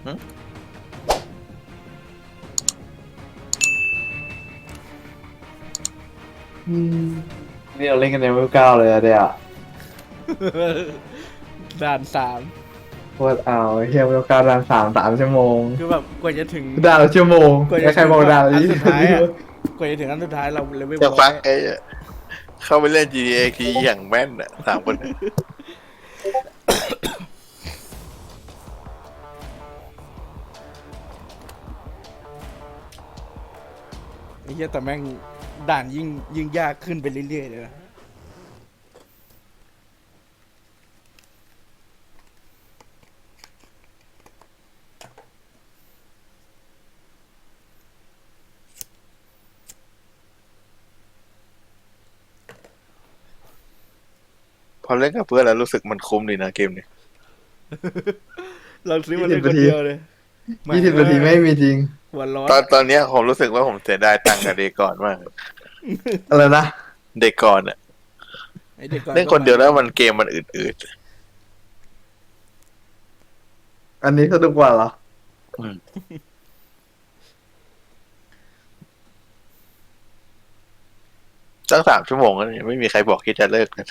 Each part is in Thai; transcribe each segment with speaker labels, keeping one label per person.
Speaker 1: นี่เราเล่นกันในเวล9เลยอะเดี๋ยว
Speaker 2: ด่าน3
Speaker 1: โคตรเอาเฮียเวล9ด่าน3 ชั่วโมง
Speaker 2: คือแบบกว่าจะถึง
Speaker 1: ด่านละชั่วโมงใครบอกด่านละ
Speaker 2: อันสุดท้ายอะ
Speaker 1: 20
Speaker 2: กว่าจะถึงอันสุดท้ายเราเลเวล
Speaker 3: จะฟังไอ้เข้าไปเล่น GTA ทีอย่างแม่นอ่ะ3 คน
Speaker 2: ไอ้เหี้ยแต่แม่งด่านยิ่งยากขึ้นไปเรื่อยๆเลยนะ
Speaker 3: พอเล่นกับเพื่อนแล้วรู้สึกมันคุ้มดีนะเกมนี้
Speaker 2: เราซื้อมาเล่นคนเดียวเลย
Speaker 1: 20 นาทีไม่มีจริง
Speaker 2: หัวร้อน
Speaker 3: ตอนเนี้ยผมรู้สึกว่าผมเสียดายตังค์กับเดย์ก่อนมาก
Speaker 1: อะไรนะ
Speaker 3: เดย์ก่อนอ่ะ
Speaker 2: ไอ้เด็กก่อ
Speaker 3: เล่นคนเดียวแล้วมันเกมมันอืด
Speaker 1: อันนี้สนุกกว่าเหรอ
Speaker 3: ตั้ง3 ชั่วโมงแล้วเนี่ยไม่มีใครบอกที่จะเลิกนะ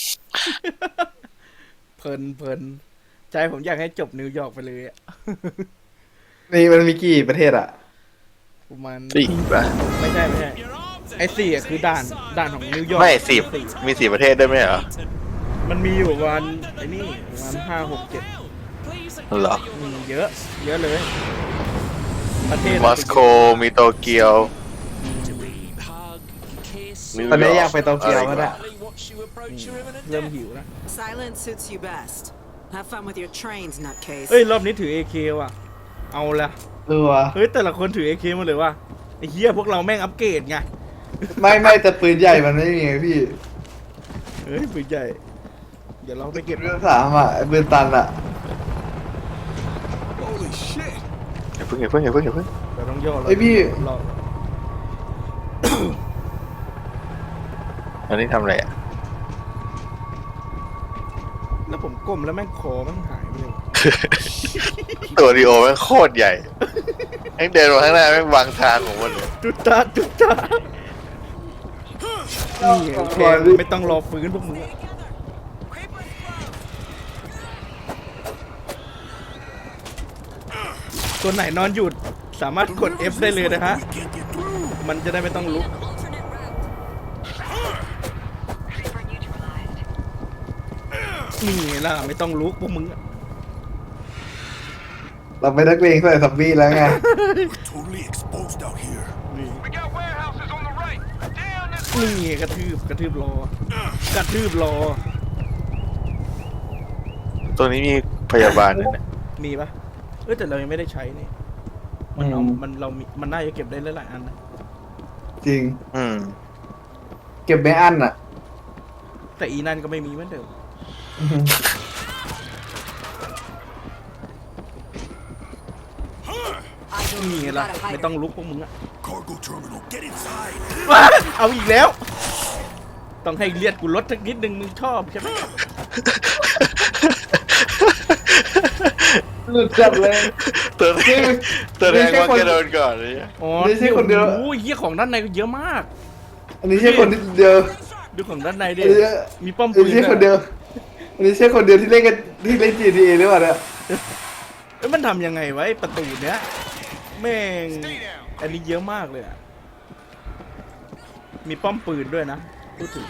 Speaker 2: เพลินใจผมอยากให้จบนิวยอร์กไปเลยอะ
Speaker 1: นี่มันมีกี่ประเทศอะ
Speaker 2: ประมาณ
Speaker 3: 4 ป่ะ
Speaker 2: ไม่ใช่ไอ้4อะคือด่านของนิวยอร์ก
Speaker 3: ไม่10มี4 ประเทศได้ไหมเหรอ
Speaker 2: มันมีอยู่ประมาณไอ้นี่ประมาณ5 6 7
Speaker 3: เหรอ
Speaker 2: เยอะเลยประเทศ
Speaker 3: มอสโกมีโตเกียวนิว
Speaker 1: ตอนนี้
Speaker 3: ร์
Speaker 1: อยากไปโตเกียวก็ได้
Speaker 2: เริ่มหิวแล้ว
Speaker 4: Silence suits you best. Have fun with your trains, nutcase.
Speaker 2: เอ้ยรอบนี้ถือ AK ว่ะเอาละ
Speaker 1: วะ
Speaker 2: เฮ้ยแต่ละคนถือ AK หมาเลยว่ะไอ้เหี้ยพวกเราแม่งอัปเกรดไง
Speaker 1: ไม่แต่ปืนใหญ่มันไม่มีไงพี่
Speaker 2: เฮ้ยปืนใหญ่เดี๋ยวเราไปเก็บ
Speaker 1: เรื่อง3อะปืนตันอะ
Speaker 3: อย่าเพิ่ง
Speaker 2: เราต้องย่อ
Speaker 1: ไอยพี่
Speaker 2: รอ
Speaker 3: อันนี้ทำอะไรอ่ะ
Speaker 2: แล้วผมก้มแล้วแม่งคอแม่งหายไปเลย
Speaker 3: ตัวดีโอแม่งโคตรใหญ่แม่งเดินมาข้างหน้าแม่งวางทางของมันเลย
Speaker 2: จุดตานี่โอเคไม่ต้องรอฟื้นพวกมึงอะตัวไหนนอนหยุดสามารถกด F ได้เลยนะฮะมันจะได้ไม่ต้องลุกนี่ล่ะไม่ต้องลุกพวกมึงอะ
Speaker 1: เราไปนักเลงใส่ซัมบี้แล้วไง
Speaker 5: Totally exposed out here.
Speaker 2: นี่กระทืบรอ
Speaker 3: ตัวนี้มีพยาบาลด้วยนะ
Speaker 2: มีปะแต่เรายังไม่ได้ใช้นี่มันเอามันน่าจะเก็บได้หลายๆอันนะ
Speaker 1: จริง
Speaker 3: อืม
Speaker 1: เก็บไม่อั้นอะ
Speaker 2: แต่อีนั่นก็ไม่มีเหมือนเดิมนี่ไงล่ะไม่ต้องลุกพวกมึงอะ
Speaker 5: Cargo terminal, get inside.
Speaker 2: เอาอีกแล้ว ต้องให้เลียดกูลดสักนิดนึงมึงชอบใช่ไหม
Speaker 1: หลุดจัดเลย
Speaker 3: ตัวแรกว่าแกโดนก่อนเลย
Speaker 2: อ๋อ
Speaker 1: ไม่ใช่คนเดียว
Speaker 2: โอ้ยเหี้ยของด้านในก็เยอะมาก
Speaker 1: อันนี้ใช่คนเดียว
Speaker 2: ดูของด้านในดิ
Speaker 1: อันนี้
Speaker 2: มีป้อม
Speaker 1: อั
Speaker 2: ปื
Speaker 1: น
Speaker 2: น
Speaker 1: นี้ใช่คนเดียวอันนี้ใช่คนเดียวที่เล่นกันที่เล่น GTA หรือเปล่าเนี่ย
Speaker 2: มันทำยังไงไว้ประตูเนี้ยแม่งอันนี้เยอะมากเลยอะมีป้อมปืนด้วยนะพูดถึง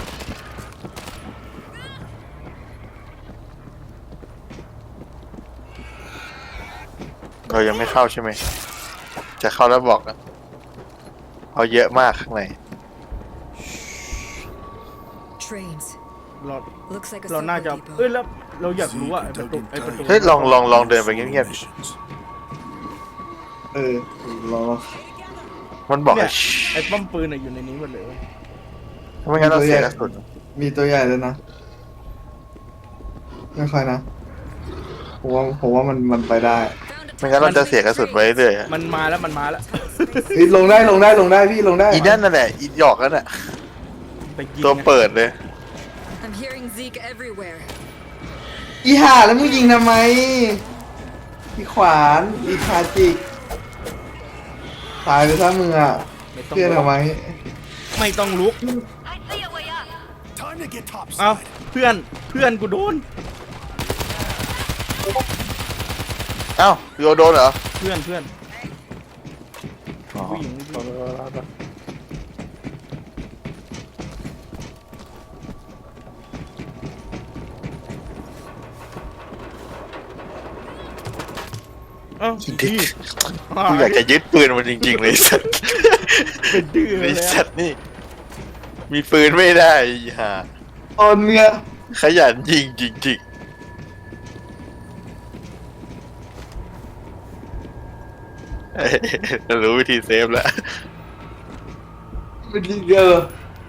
Speaker 3: เรายังไม่เข้าใช่ไหม จะเข้าแล้วบอกนะเอาเยอะมากข้างใน
Speaker 4: Trains.
Speaker 2: เรา
Speaker 4: Looks like a
Speaker 2: เราน่า
Speaker 4: subway
Speaker 2: จะ
Speaker 4: depot.
Speaker 2: แล้วเราอยากรู้ว่าไอ้ประตู
Speaker 3: เฮ้ยลองเดินไปเงียบ
Speaker 5: Missions.
Speaker 1: รอ
Speaker 3: ๆมันบอก
Speaker 2: เนี่
Speaker 3: ให้
Speaker 2: ยไอ้ป้อมปืนอยู่ในนี้หมดเลยเว้ย
Speaker 3: ไม่งั้นเราเสียกระสุน
Speaker 1: มีตัวใหญ่เลยนะไม่ค่อยนะผมว่ามันไปได้
Speaker 3: ไม่งั้นเราจะเสียกระสุนไว้เรื่อยๆ
Speaker 2: มันมาแล้ว
Speaker 1: เฮ้ยลงได้พี่ลงได้
Speaker 3: อีนั่นนั่นแหละอีหยอกนั่นแหละ
Speaker 2: ไปยิง
Speaker 3: ตัวเปิดเลย
Speaker 4: I'm hearing Zeke everywhere.
Speaker 1: อีห่าแล้วมึงยิงทำไมอีขวานอีคาจิกตายไปซะมึงอ่ะ
Speaker 2: ไม่ต้อง
Speaker 1: เพื่อนทำไม
Speaker 2: ไม่ต้องลุก
Speaker 5: Time to get
Speaker 2: เอ้า
Speaker 5: topside.
Speaker 2: เพื่อนกูโดน
Speaker 3: เอ้าโยโดนเหรอ
Speaker 2: เพื่อน
Speaker 3: อ๋อ
Speaker 2: ผู้หญิง เอ้า
Speaker 3: ดิ
Speaker 2: พี่
Speaker 3: กูอยากจะยึดปืนมันจริงๆเลยสัตว์
Speaker 2: เป็นดื้อ
Speaker 3: ไอ้
Speaker 2: เลย
Speaker 3: สั
Speaker 2: อะ
Speaker 3: ตว์นี่ มีปืนไม่ได้ฮ่า
Speaker 1: ตอนเนี้ย
Speaker 3: ขยันยิงจริงๆเอ้ยรู้วิธีเซฟแล้ว
Speaker 1: มันยิงเยอะ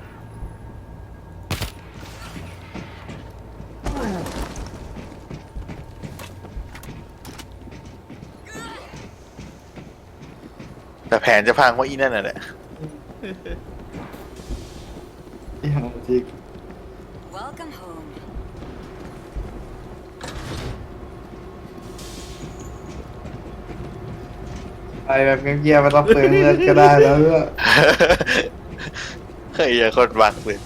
Speaker 3: แต่แผนจะพังเพราะอีนั่นน่ะแหละ
Speaker 1: อีคาจิก
Speaker 4: Welcome home.
Speaker 1: ไปแบบเงียบๆไม่ต้องเปลืองเลือดก็ได้แล้วเพื่อ
Speaker 3: เฮ้ยอย่าคนบักเลย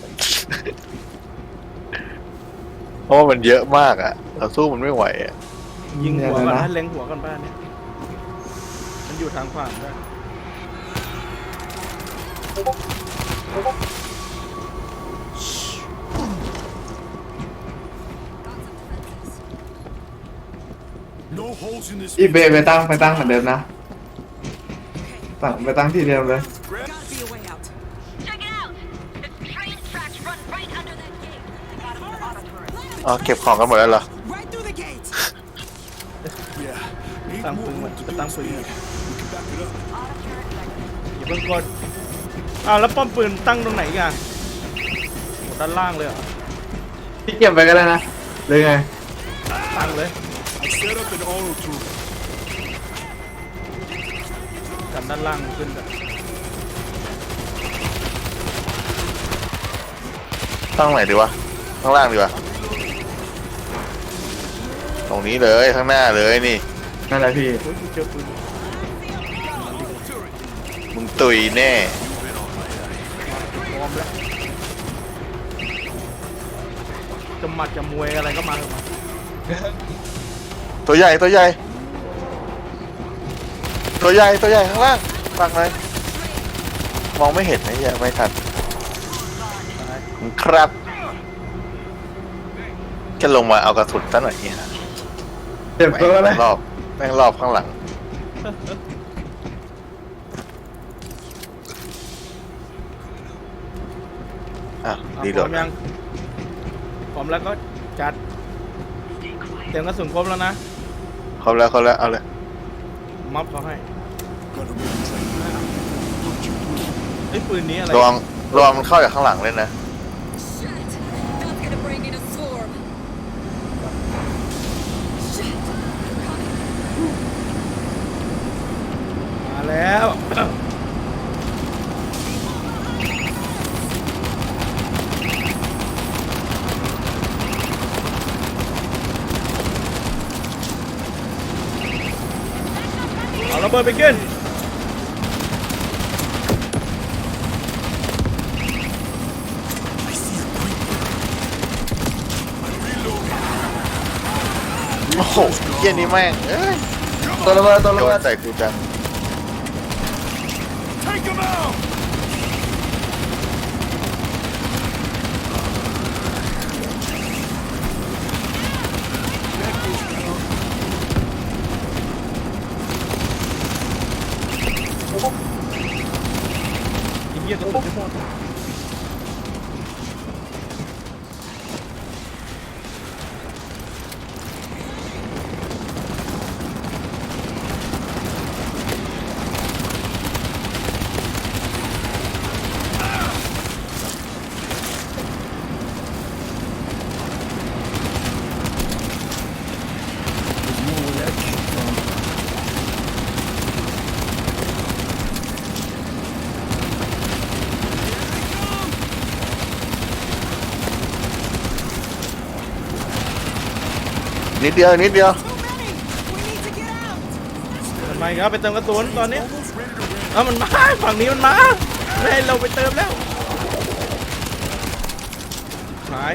Speaker 3: เพราะว่ามันเยอะมากอ่ะ เราสู้มันไม่ไหวอ่ะ
Speaker 2: ยิงหัวก่อน
Speaker 1: นะ
Speaker 2: นะเล็งหัวก่อนบ้านเนี่ยมันอยู่ทางขวาด้วย
Speaker 5: No holes in this.
Speaker 1: อีเบไปตั้งเหมือนเดิมนะไปตั้งที่เดิมเลย
Speaker 4: Gotta be a way out.
Speaker 6: Check it out! The train tracks run right under that gate. Got him in the auto turret.
Speaker 3: อ๋อเก็บของกันหมดแล้วเหรอ
Speaker 4: Right through the gate.
Speaker 5: Yeah. Ain't
Speaker 2: ตั้ง
Speaker 5: more
Speaker 2: ปืน
Speaker 5: room to
Speaker 2: จะ
Speaker 5: do
Speaker 2: ตั้งปืน
Speaker 5: speed. We can back it up.
Speaker 2: อย่าเพิ่งกดอ้าวแล้วป้อมปืนตั้งตรงไหนอีกันด้านล่างเลยเหรอ
Speaker 1: พี่เก็บไปก็ได้นะเลยไง
Speaker 2: ตั้งเลย
Speaker 5: I set up an auto turret.
Speaker 2: กันด้านล่างขึ้นกัน
Speaker 3: ตั้งไหนดีวะ ข้างล่างดีวะ ตรงนี้เลยข้างหน้าเลยนี่
Speaker 1: นั่นแหละพี่
Speaker 2: โอ้ยกูเจอปืน
Speaker 3: มึงตุยแน่
Speaker 2: พร้อมแล้วจะหมัดจะมวยอะไรก็มาเถอะมา
Speaker 3: ตัวใหญ่ตัวใหญ่ ตัวใหญ่ตัวใหญ่ข้างล่างฟังเลยมองไม่เห็นนะอย่าไม่ทันครับจะลงมาเอากระสุนซะหน่อยเนี่ย
Speaker 1: เจ็บตัวเลย
Speaker 3: แม่งรอบข้างหลังอ่ะ
Speaker 2: อ่ะ
Speaker 3: ดี
Speaker 2: พ
Speaker 3: โด
Speaker 2: ร้อ
Speaker 3: ด
Speaker 2: มยังพร้อมแล้วก็จัดเตรียมกระสุนครบแล้วนะ
Speaker 3: ครบแล้วเอาเลย
Speaker 2: ม็อบเขาให้
Speaker 5: Gotta move the train now.
Speaker 2: ไอ้ยปืนนี้อะไร
Speaker 3: ระวังมันเข้าจากข้างหลังเลยนะ
Speaker 6: Shit! That's gonna bring in a swarm. Shit!
Speaker 2: มาแล้ว เอาระเบิดไปกิน
Speaker 5: I see a creeper. I'm reloading.
Speaker 3: โอ้โหเยี่ยนี่แม่งเอ้ย
Speaker 1: ตัวระเบิด
Speaker 3: โดนใส่กูจัง
Speaker 5: Take him out!
Speaker 2: ไอ้เหี้ยกระสุนจะหมด
Speaker 3: นิดเดียว
Speaker 4: Too many. We need to get out.
Speaker 2: มาอีกแล้วไปเติมกระสุนตอนนี้มันมาฝั่งนี้มันมาไม่ให้เราไปเติมแล้วหาย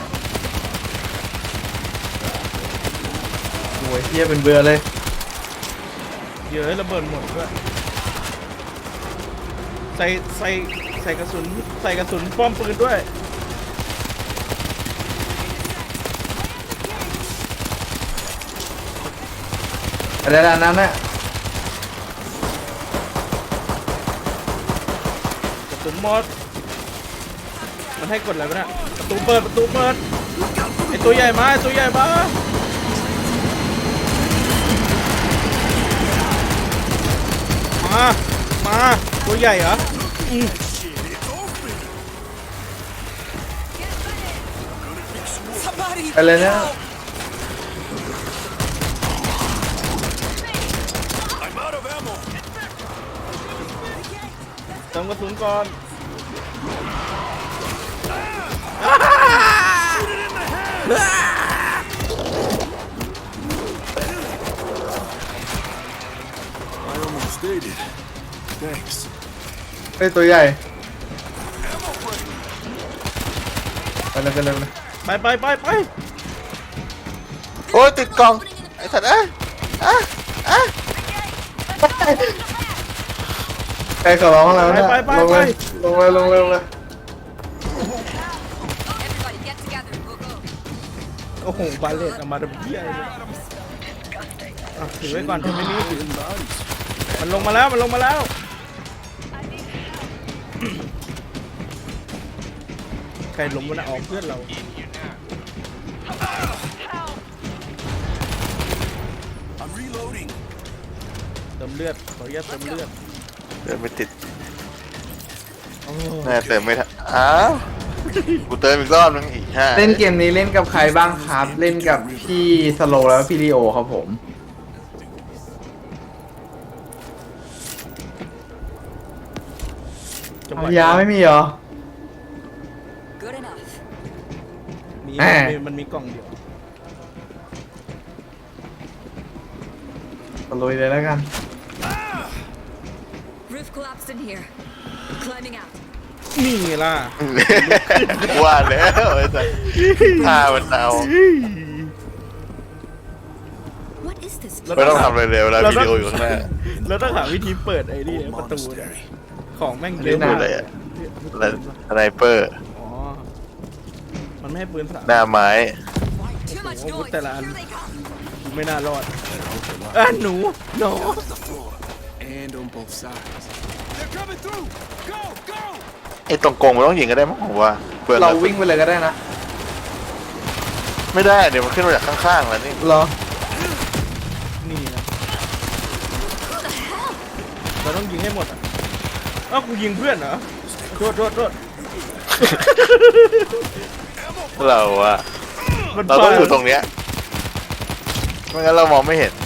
Speaker 1: โอ้ยเฮียเป็นเบื่อเลย
Speaker 2: เยอะระเบิดหมดด้วยใส่กระสุนป้อมปืนด้วย
Speaker 1: อะไรด้านนั้นน่ะ
Speaker 2: กระสุนหมดมันให้กดอะไรวะเนี่ยประตูเปิดไอตัวใหญ่มามาตัวใหญ่เหรอ
Speaker 4: Somebody!
Speaker 1: อะไรนะ
Speaker 5: I'm out of ammo.
Speaker 2: เติมกระสุนก่อน
Speaker 5: I almost stayed it. Thanks.
Speaker 1: เฮ้ยตัวใหญ่
Speaker 5: Ammo break.
Speaker 1: ไปเลย
Speaker 2: ไป
Speaker 3: โอ้ยติดกล่องไอ้สัตว์
Speaker 1: ใครขอร้องแล้วเนี่ย
Speaker 2: ไป
Speaker 1: ลงเลย
Speaker 6: Everybody get together. We'll go.
Speaker 2: โอ้โหบาเลตเอามาดับเบี้ยเลยถือไว้ก่อนถือไม่มีถือมันลงมาแล้วใครลงมานะออกเพื่อนเรา
Speaker 5: I'm reloading.
Speaker 2: เติมเลือดขออนุญาตเติมเลือด
Speaker 3: เดินไม่ติด
Speaker 2: โอ้
Speaker 3: แน่เติมไม่ทันอ้าวกูเติมอีกรอบนึงอีกห้า
Speaker 1: เล่นเกมนี้เล่นกับใครบ้างครับ เล่นกับพี่สโลแล้วพี่ลีโอครับผม
Speaker 2: จังห
Speaker 1: เอา
Speaker 2: วะ
Speaker 1: ยาไม่มีเหรอ
Speaker 6: Good enough.
Speaker 2: มันมีกล่องเดียว
Speaker 1: ตะลุยเลยแล้วกัน
Speaker 6: Roof collapsed in here. Climbing out.
Speaker 2: นี่ล่ะ
Speaker 3: ว่าแล้วไอ้สัตว์ท่ามันเอา
Speaker 6: What is this?
Speaker 3: ไม่ต้องทำอะไรเลยเวลาวิดีโออยู่ข้างหน้า
Speaker 2: แล้วต้องหาวิธีเปิดไอ้นี่ประตูเนี่ย
Speaker 5: Monastery.
Speaker 2: ของแม่งเย
Speaker 1: เล่
Speaker 2: อะ
Speaker 1: น
Speaker 3: พู
Speaker 1: ห
Speaker 3: ด
Speaker 1: น้า
Speaker 3: เลยอะสไนเปอร์
Speaker 2: อ๋อมันไม่ให้ปืนสาม
Speaker 3: หน้าไม้
Speaker 6: Too much
Speaker 2: Oh,
Speaker 6: noise.
Speaker 2: what the land?
Speaker 6: Here they come.
Speaker 2: ไม่น่ารอด หนู
Speaker 5: The floor. And on both sides. They're coming through. Go, go.
Speaker 3: ไอ้ตรงกรงมันต้องยิงก็ได้มั้งผมว่าเพื่อน
Speaker 1: เราวิ่งไปเลยก็ได้นะ
Speaker 3: ไม่ได้เดี๋ยวมันขึ้นมาจากข้างๆแล้วนี่
Speaker 1: เหรอ
Speaker 2: นี่นะเราต้องยิงให้หมดอ่ะอ้าวกูยิงเพื่อนเหรอโทษ
Speaker 3: เราอะ
Speaker 2: มัน
Speaker 3: เราต้องอยู่ตรงเนี้ยไม่งั้นเรามองไม่เห็น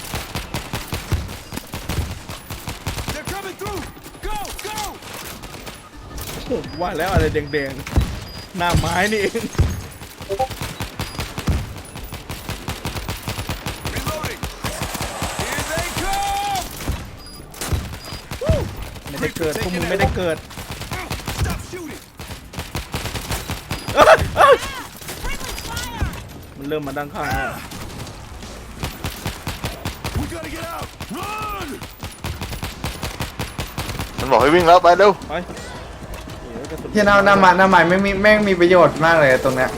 Speaker 5: They're coming through. Go, go.
Speaker 2: ผมว่าแล้วอะไรแดงๆหน้าไม้นี่เอง
Speaker 5: Reloading. Here they come.
Speaker 2: ไม่ได้เกิดพวกมึงไม่ได้เกิด
Speaker 5: Stop shooting.
Speaker 2: มันเริ่มมาด้านข้างแล้ว
Speaker 5: We gotta get out. Run.
Speaker 3: มันบอกให้วิ่งแล้วไปเร็ว
Speaker 2: ไปโอ้ยกระสุน
Speaker 1: ที่หน้าไม้ไม่มีแม่งมีประโยชน์มากเลยตรงเนี้ย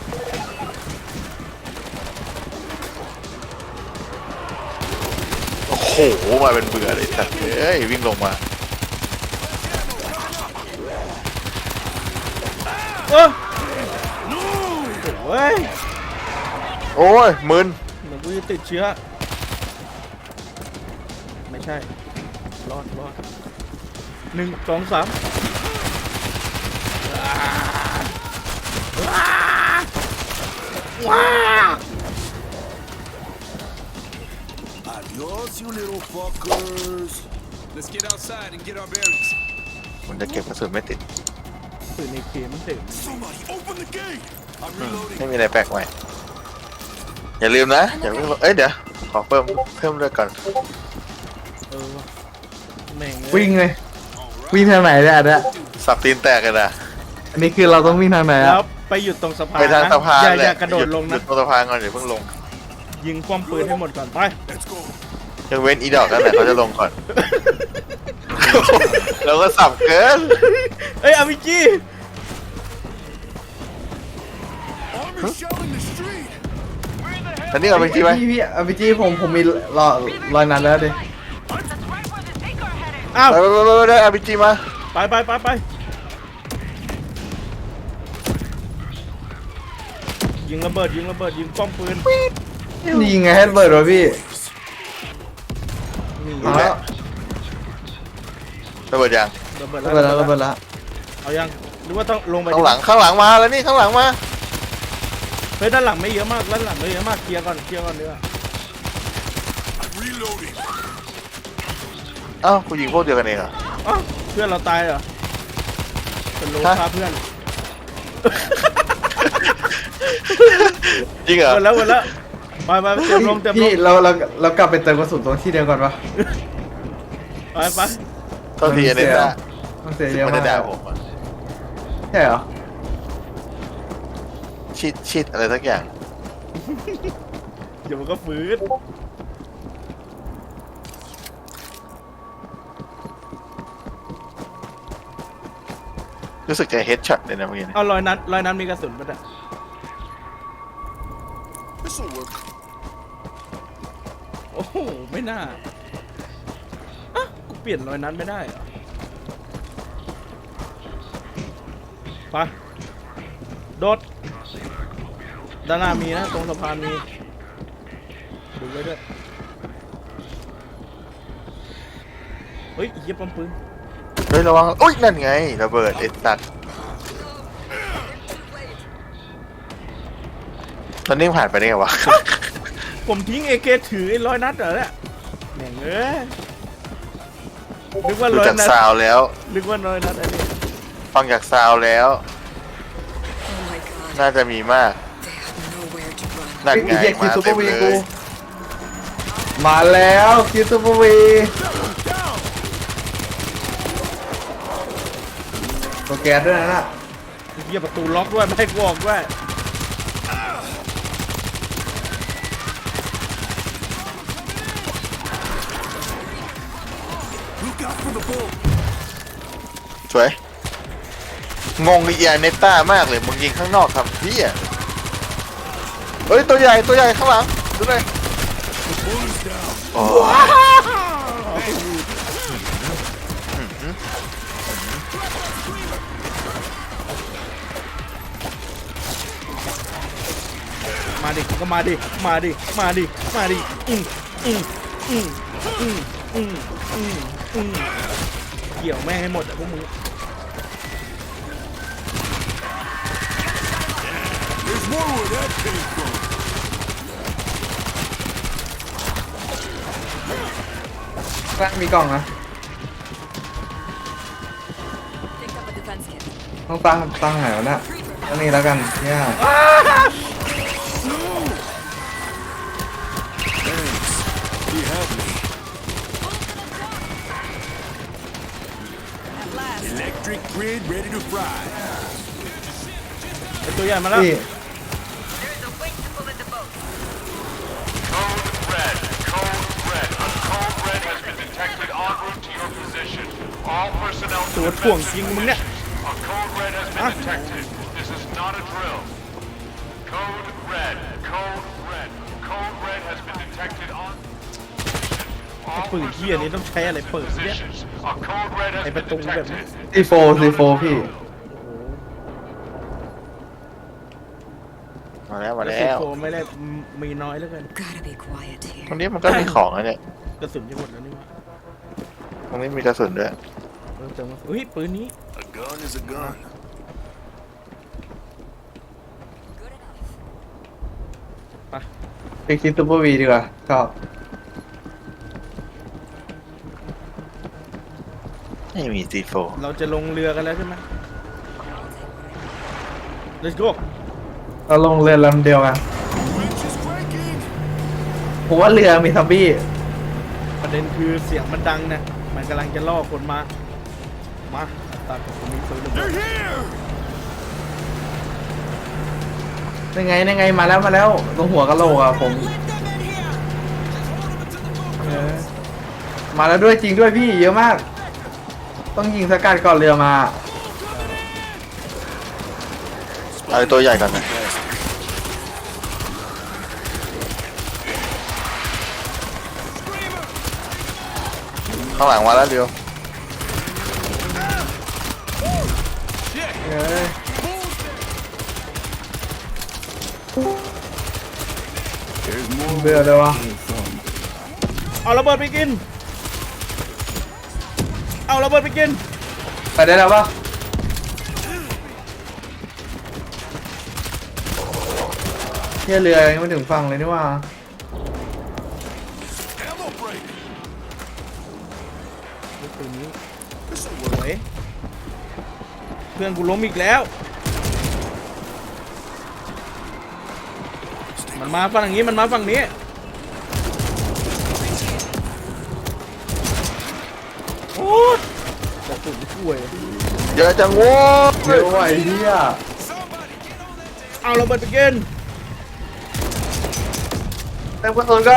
Speaker 3: โอ้โหมาเป็นเบื่อเลยสัตว์เอ้ยวิ่งลงมา
Speaker 2: เฮ้ย
Speaker 3: โอ้ยมึน
Speaker 2: เหมือนกูจะติดเชื้อ ไม่ใช่ รอด 1 2 3 ว้า
Speaker 5: Adios, you little fuckers. Let's get outside and get our bearings.
Speaker 3: มันจะเก็บกระสุนไม่ติด
Speaker 2: ปืนในเกมมันเต็ม
Speaker 5: Somebody open the gate. I'm reloading.
Speaker 3: ไม่มีอะไรแปลกใหม่อย่าลืมนะอย่าเพิ่งเอ้ยเดี๋ยวขอเพิ่มเลือดก่อน
Speaker 2: ว่ะแม่งเลย
Speaker 1: วิ่งเลยวิ่งทางไหนเนี่ยอันเนี้ย
Speaker 3: สับตีนแตกกันนะ
Speaker 1: อันนี้คือเราต้องวิ่งทางไหน
Speaker 2: แล้
Speaker 1: อะ
Speaker 2: วไปหยุดตรงสะพาน
Speaker 3: ไปทาง
Speaker 2: นะ
Speaker 3: สะพาน
Speaker 2: อย่า
Speaker 3: แห
Speaker 2: อย่า
Speaker 3: ละ
Speaker 2: กระโดดลง
Speaker 3: หยุ
Speaker 2: นะ
Speaker 3: ดตรงสะพานก่อนเดี๋ยวเพิ่งลง
Speaker 2: ยิงป้อมปืนให้หมดก่อนไป
Speaker 5: Let's go.
Speaker 3: ยังเว้นอีดอกนั่นแหละเขาจะลงก่อน เราก็สับเกิน
Speaker 2: เอ้ยอาวิจี
Speaker 5: Army shell in the street.
Speaker 3: อันนี้เอาไปที่ไหม
Speaker 1: พี่เอาไปจี้ผมมีรอยนั้นแล้วดิ
Speaker 6: That's right where the Tinker headed.
Speaker 2: อ้าว
Speaker 3: ไปได้อาร์พีจีมา
Speaker 2: ไปยิงระเบิดยิงป้อมปืน
Speaker 1: นี่ไงให้เบิร์ดวะพี่
Speaker 2: นี่
Speaker 1: เอาแล้ว
Speaker 3: ระเบิดยัง
Speaker 2: ระเบิด
Speaker 1: ระเบิดแล้วระเบิดแล้ว
Speaker 2: เอายังหรือว่าต้องลงไป
Speaker 3: ข้างหลังมาแล้วนี่ข้างหลังมา
Speaker 2: เฮ้ยด้านหลังไม่เยอะมากด้านหลังไม่เยอะมากเคลียร์ก่อนเนื้อ
Speaker 5: Reloading.
Speaker 3: อ้าวกูยิงพวกเดียวกันเองเหรอ
Speaker 2: อ้าวเพื่อนเราตายเหรอเป็นโล
Speaker 3: ฮะ
Speaker 2: ฆ่าเพื่อน
Speaker 3: จริงเหรอ
Speaker 2: หมดแล้วไปเต็มลง
Speaker 1: พี่เรากลับไปเติมกระสุนตรงที่เดียวก่อนปะ
Speaker 2: ไป
Speaker 3: โทษทีอันนี้นะ
Speaker 1: มันเสียเยอะ
Speaker 3: ไม่
Speaker 1: มา
Speaker 3: ได้
Speaker 1: ก
Speaker 3: ด่าผมอะ
Speaker 1: ใช่เหรอ
Speaker 3: ชิดอะไรสักอย่าง
Speaker 2: เดี๋ยวมันก็ฟื้น
Speaker 3: รู้สึกจะเฮดช็อตเลยนะเมื่อกี้เนี่ย
Speaker 2: เอารอยนั้นมีกระสุนปะเนี่ย
Speaker 5: This'll work.
Speaker 2: โอ้โหไม่น่าอ่ะกูเปลี่ยนรอยนั้นไม่ได้เหรอไปโดดด้านหน้ามีนะตรงสะพานมีดูไว้ด้วยเฮ้ยเยี่ยป้อมปืน
Speaker 3: เฮ้ยระวังอุ้ยนั่นไงระเบิดไอ้สัตว์ตอนนี้ผ่านไปได้ไงวะ
Speaker 2: ผมทิ้งเอเคถือไอ้ร้อยนัดเหรอเนี่ยแม่งเอ้ยนึกว่า
Speaker 3: ดู
Speaker 2: ร้อย
Speaker 3: จาก
Speaker 2: นัด
Speaker 3: ซาวแล้ว
Speaker 2: นึกว่าร้อยนัดอันนี้
Speaker 3: ฟังจากซาวแล้ว
Speaker 4: Oh my god,
Speaker 3: น่าจะมีมาก
Speaker 4: they have nowhere to run.
Speaker 3: นั่นไง
Speaker 1: เรียกคิ
Speaker 3: มาว
Speaker 1: ซูเปอ
Speaker 3: เต็ม
Speaker 1: ร์วี
Speaker 3: เล
Speaker 1: กู
Speaker 3: ย
Speaker 1: มาแล้วคิวซูเปอร์วีตัวแก๊สด้วยนะน่ะ
Speaker 2: เหี้ยประตูล็อกด้วยไม่ให้กูออกด้วย
Speaker 5: Look out for the bull.
Speaker 3: สวยงงอีเนต้ามากเลยมึงยิงข้างนอกทำพี่อ่ะเฮ้ยตัวใหญ่ข้างหลังดูเลย
Speaker 5: The bull is down.
Speaker 3: โอ้
Speaker 2: มาดิก็มาดิเกี่ยวแม่งให้หมดอ่ะพวกมึง
Speaker 5: There's more where that came from.
Speaker 1: กล้างมีกล่องนะ
Speaker 6: Picked up a defense kit.
Speaker 1: ต้องตั้งไหนวะเนี่ยตั้งนี้แล้วกันเนี่ย
Speaker 5: Thanks. You have me.
Speaker 6: At last.
Speaker 5: Electric grid ready to fry.
Speaker 2: ไอ้ตัวใหญ่มาแล้ว
Speaker 1: พี่
Speaker 6: There's a wait to pull in the boat.
Speaker 7: Code red. A code red has been detected en route to your position. All personnel to
Speaker 2: ตัว
Speaker 7: defense
Speaker 2: ถ่วงจริงมึงเนี่ย
Speaker 7: A code red has been detected. This is not a drill. Code red. Code red has been detected on
Speaker 2: ไอ้ปืนเหี้ยนี้ต้องใช้อะไรเปิดเนี่ย
Speaker 7: positions. A code red has
Speaker 2: ไอ้ป
Speaker 7: been
Speaker 2: ระตูแบบนี้
Speaker 7: detected.
Speaker 1: ซีโฟพี่
Speaker 3: มาแล้ว
Speaker 2: แล้วซีโฟไม่ได้มีน้อยเหลือเกิน
Speaker 4: Gotta be quiet
Speaker 3: ตร
Speaker 4: here.
Speaker 3: งนี้มันก็มีของนะเนี่ย
Speaker 2: กระสุนจะหมดแล้วนี่วะ
Speaker 3: ตรงนี้มีกระสุนด้วย
Speaker 2: เติมอุ้ยปืนนี้
Speaker 5: A gun is a gun.
Speaker 6: Good enough.
Speaker 1: ไปคิดซูเปอร์วีดีกว่าชอบ
Speaker 3: ไม่มีซีโฟ
Speaker 2: เราจะลงเรือกันแล้วใช่ไหม Let's go
Speaker 1: เราลงเรือลำเดียวกัน
Speaker 5: Winch is cranking.
Speaker 1: ผมว่าเรือมีซัมบี้
Speaker 2: ประเด็นคือเสียงมันดังนะมันกำลังจะล่อคนมาตัดกับคนนี้ปืนระเบิด
Speaker 1: ยังไงยังไงมาแล้วตรงหัวกะโหลกอะผมมาแล้วด้วยจริงด้วยพี่เยอะมาก ต้องยิงสกัดก่อนเรือมา
Speaker 3: เอาตัวใหญ่กันนะข้างหลังมาแล้วเดียว
Speaker 1: เบื่อเลยวะ
Speaker 2: เอาระเบิดไปกิน เอาระเบิดไปกิน
Speaker 1: ไปได้แล้วปะเที่ยเรือยังไม่ถึงฝั่งเลยนี่ว่า
Speaker 2: ปืนนี้สวยเพื่อนกูล้มอีกแล้ว มันมาฝั่งนี้มันมาฝั่งนี้โอ้ยกระสุนช่วย
Speaker 3: เยอะจังโว้ย
Speaker 1: เยอะว่ะไอ้เหี้ย
Speaker 2: เอาระเบิดไปกิน
Speaker 1: เต็มกระสุนกัน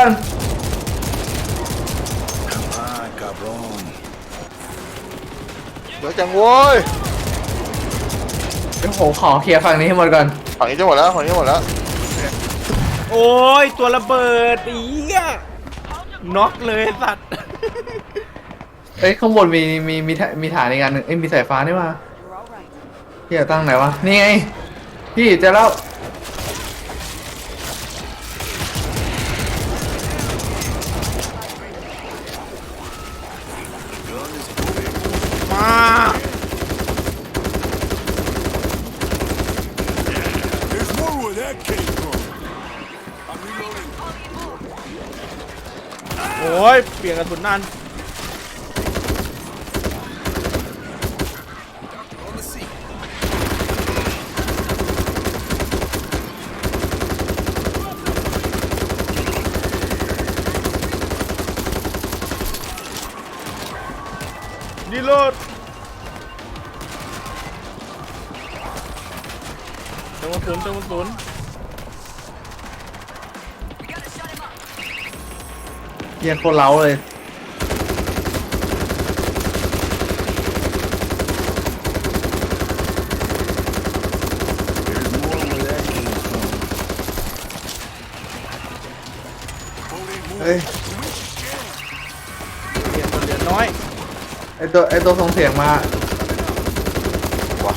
Speaker 3: เยอะจังโว้ย
Speaker 1: เดี๋ยวผมขอเคลียร์ฝั่งนี้ให้หมดก่อน
Speaker 3: ฝั่งนี้จะหมดแล้วฝั่งนี้หมดแล้ว
Speaker 2: โอ้ยตัวระเบิดอีกน็อกเลยสัตว์
Speaker 1: เอ้ยข้างบนมีฐานอีกอันหนึ่งเอ้ยมีสายฟ้านี่มาเหี้ยตั้งไหนวะนี่ไงพี่เจอแล้ว
Speaker 2: มา
Speaker 5: There's more where that came from. I'm reloading.
Speaker 2: โอ้ยเปลี่ยนกระสุนนาน
Speaker 5: On the seat.
Speaker 2: รีโหลดเติมกระสุน
Speaker 1: เหี้ยโคตรเล้าเลย เฮ้ย
Speaker 2: เปลี่ยนคนเหลือน้อย
Speaker 1: ไอตัวส่งเสียงมา
Speaker 3: ว้า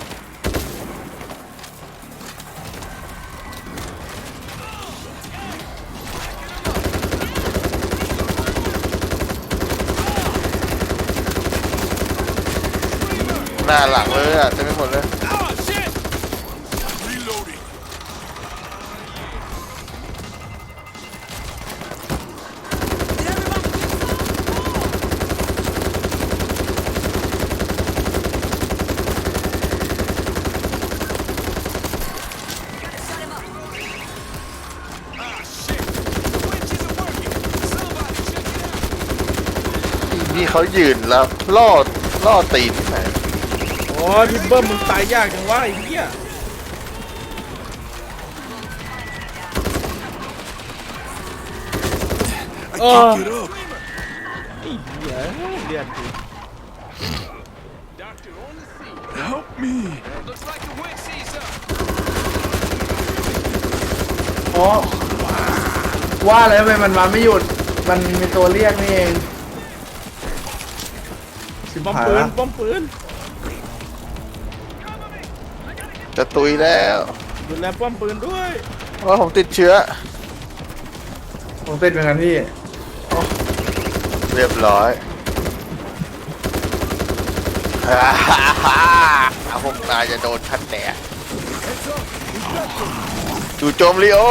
Speaker 3: หน้าหลังเลยอ่ะเต็มไปหมดเลย
Speaker 5: Ah, shit! Reloading.
Speaker 3: นี่เขายืนแล้วล่อตีนที่ไหน
Speaker 2: โอ้ยพี่เบิ้มมึงตายยากจังวะไอ้เหี้ยโอ้
Speaker 5: Get up.
Speaker 2: ไอ้เหี้ยเลือดกู
Speaker 5: Doctor on the seat. Help me. Looks like the wind sees us.
Speaker 1: อ๋อว่าแล้วทำไมมันมาไม่หยุด มันมีตัวเรียกนี่เองชิบ
Speaker 2: ป้อม
Speaker 1: หาย
Speaker 2: ปืน
Speaker 1: ละ
Speaker 2: ป้อมปืน
Speaker 3: จะตุยแล้ว
Speaker 2: ดูแลป้อมปืนด้วย
Speaker 3: ว่าผมติดเชื้อ
Speaker 1: ผมติดเหมือนกันพี่
Speaker 3: เรียบร้อยพวกนายจะโดนทันแดดจู่โจมลีโอ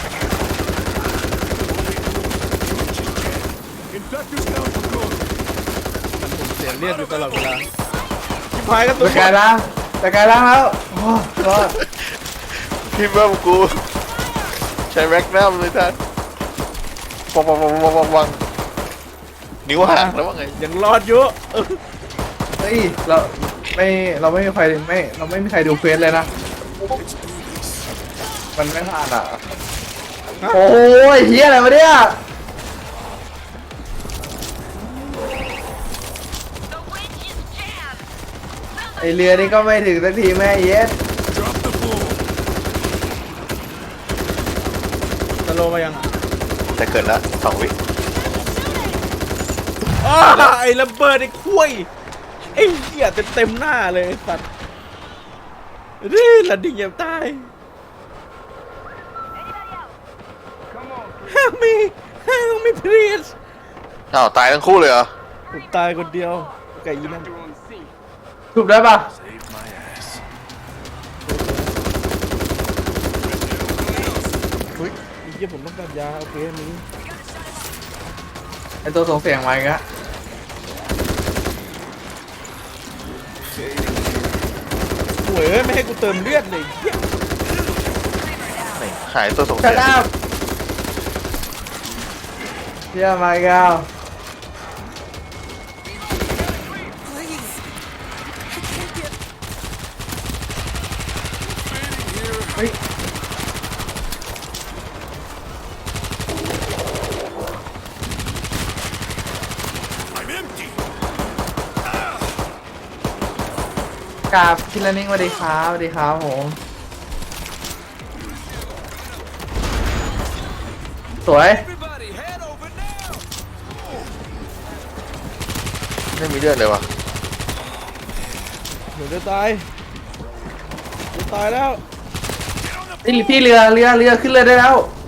Speaker 5: Infectors down for good.
Speaker 2: เสียเลือดอยู่ตลอดเวลาชิบหายกันตัว
Speaker 1: ตะกายล้างแล้วโอ้รอด
Speaker 3: พี่เบิ้มกูใช้แม็กนัมเลยท่านวังนิ้วห่างแล้วว่าไง
Speaker 2: ยังรอดอยู่เออ
Speaker 1: เฮ้ยเราไม่มีใครเราไม่มีใครดูเควสเลยนะมันไม่ผ่านอ่ะโอ้ยเฮียอะไรวะเนี่ย
Speaker 6: The winch is jammed.
Speaker 1: ไอเรือนี่ก็ไม่ถึงสักทีแม่เย็ด
Speaker 5: Drop the ball.
Speaker 2: สโลว์มายัง
Speaker 3: จะเกิดแล้ว2 วิ
Speaker 2: อ้าไอ้ระเบิดไอ้คุยไอ้เหี้ยเต็มหน้าเลยไอ้สัตว์นี่ระดิ่งยังตาย Help me Help me please
Speaker 3: อ้าวตายทั้งคู่เลยเหรอ
Speaker 2: ผมตายคนเดียวไก่ยีนั่น
Speaker 1: ถูกได้ปะ
Speaker 5: Saved my ass.
Speaker 2: เฮ้ยไอ้เหี้ยผมต้องการยาโอเคมี
Speaker 1: ไอตัวส่งเสียงมาอีกแล้ว
Speaker 2: โว้ยไม่ให้กูเติมเลือดเลยเหี้ย
Speaker 3: ไหนหายตัวสง
Speaker 1: ชั
Speaker 3: สั
Speaker 1: ด
Speaker 3: ย
Speaker 1: อัพเฮียมาอีกแล้ว
Speaker 4: Please. I can't get.
Speaker 1: เฮ้ย
Speaker 5: I'm empty.
Speaker 1: กราบคิลนิ่งสวัสดีครับสวัสดีครับผมสวย
Speaker 5: Everybody, head over now.
Speaker 3: ไม่มีเลือดเลยวะ
Speaker 2: เดี๋ยวจะตายจะตายแล้ว
Speaker 1: พี่เรือขึ้นเรือได้แล้ว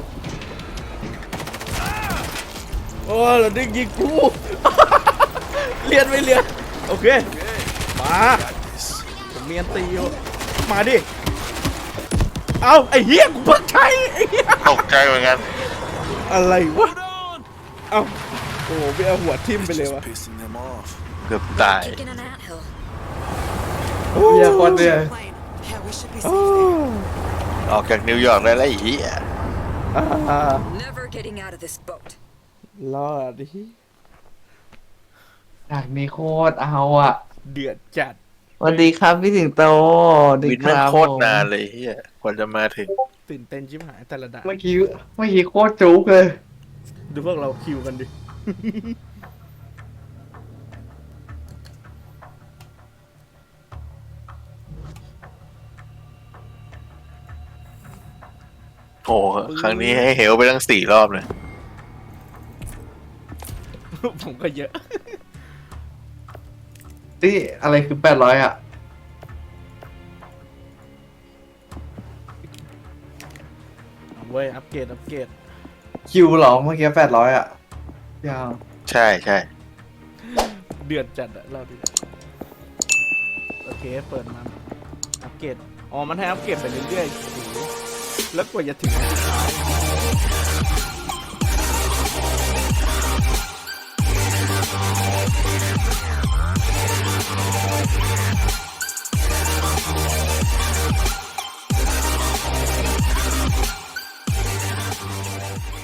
Speaker 2: โอ้เราดึงยิงกู เลียนไม่เลียนโอเคมาผมเมียนตีอยู่มาดิเอาไอ้เหี้ยกูเพิ่งใช้ไอ้เหี้ย
Speaker 3: ตกใจเหมือนกัน
Speaker 2: อะไรวะ
Speaker 5: Hold on.
Speaker 2: เอาโอ้โหไปเอาหัวทิ่มไปเลยวะ
Speaker 5: Pissing them off.
Speaker 3: เกือบตาย
Speaker 6: Taking an anthill.
Speaker 1: เฮียโคนเรือ
Speaker 4: Plane. Yeah, we should be
Speaker 2: โอ้
Speaker 4: safe there.
Speaker 3: ออกจากนิวยอร์กได้แล้วไอ้เหี้ย
Speaker 6: Never getting out of this boat.
Speaker 2: รอดดิ
Speaker 1: ฉากนี้โคตรเอาอ่ะ
Speaker 2: เดือดจัด
Speaker 1: สวัสดีครับพี่สิงโตสวัสดี
Speaker 3: วิน
Speaker 1: ค
Speaker 3: แม่ง
Speaker 1: รับ
Speaker 3: โคตรนานเลยเหี้ยกว่าจะมาถึง
Speaker 2: ตื่นเต้นชิบหายแต่ละด่าน
Speaker 1: เมื่อกี้โคตรจุกเลย
Speaker 2: ดูพวกเราคิวกันดิ
Speaker 3: โอ้โหครั้งนี้ให้เหวไปตั้ง4 รอบเลย
Speaker 2: ผมก็เยอะ
Speaker 1: นี่อะไรคือ800อ่ะ
Speaker 2: เอาเว้ยอัปเกรด
Speaker 1: คิวเหรอเมื่อกี้800อ่ะยาว
Speaker 3: ใช่ใช่
Speaker 2: เดือดจัดอะเราดิโอเคเปิดมาอัปเกรดอ๋อมันให้อัปเกรดไปเรื่อยๆโอ้โหแล้วกว่าจะถึงอันสุดท้าย